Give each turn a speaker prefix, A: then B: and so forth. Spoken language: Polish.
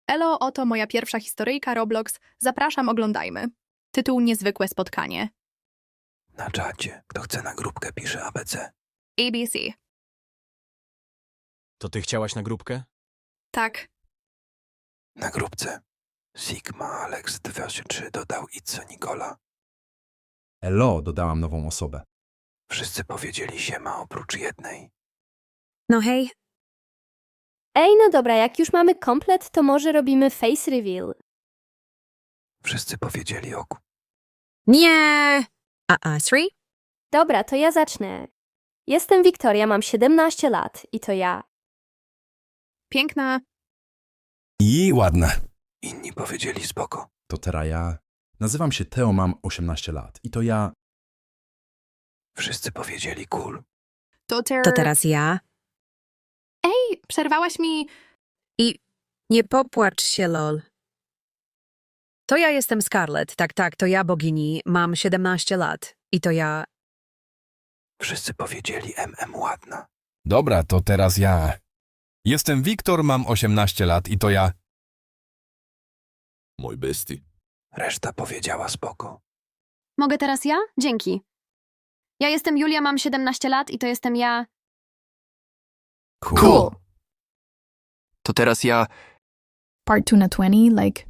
A: Elo, oto moja pierwsza historyjka Roblox. Zapraszam, oglądajmy. Tytuł Niezwykłe spotkanie.
B: Na czacie. Kto chce na grupkę, pisze ABC.
A: ABC.
C: To ty chciałaś na grupkę?
A: Tak.
B: Na grupce. Sigma Alex 23 dodał Itzo Nikola.
D: Elo, dodałam nową osobę.
B: Wszyscy powiedzieli siema oprócz jednej.
E: No hej,
F: Ej, no dobra, jak już mamy komplet, to może robimy face reveal.
B: Wszyscy powiedzieli oku.
E: nie! Sri?
F: Dobra, to ja zacznę. Jestem Wiktoria, mam 17 lat i to ja.
A: Piękna.
D: I ładne.
B: Inni powiedzieli spoko.
D: To teraz ja. Nazywam się Teo, mam 18 lat. I to ja.
B: Wszyscy powiedzieli cool.
A: To
E: teraz ja.
A: Ej, przerwałaś mi.
E: Nie popłacz się, lol. To ja jestem Scarlett, tak, to ja bogini, mam 17 lat. I to ja.
B: Wszyscy powiedzieli ładna.
G: Dobra, to teraz ja. Jestem Wiktor, mam 18 lat i to ja. Mój bestii.
B: Reszta powiedziała spoko.
H: Mogę teraz ja? Dzięki. Ja jestem Julia, mam 17 lat i to jestem ja.
B: Cool.
I: To teraz ja.
J: Part 2 na 20, like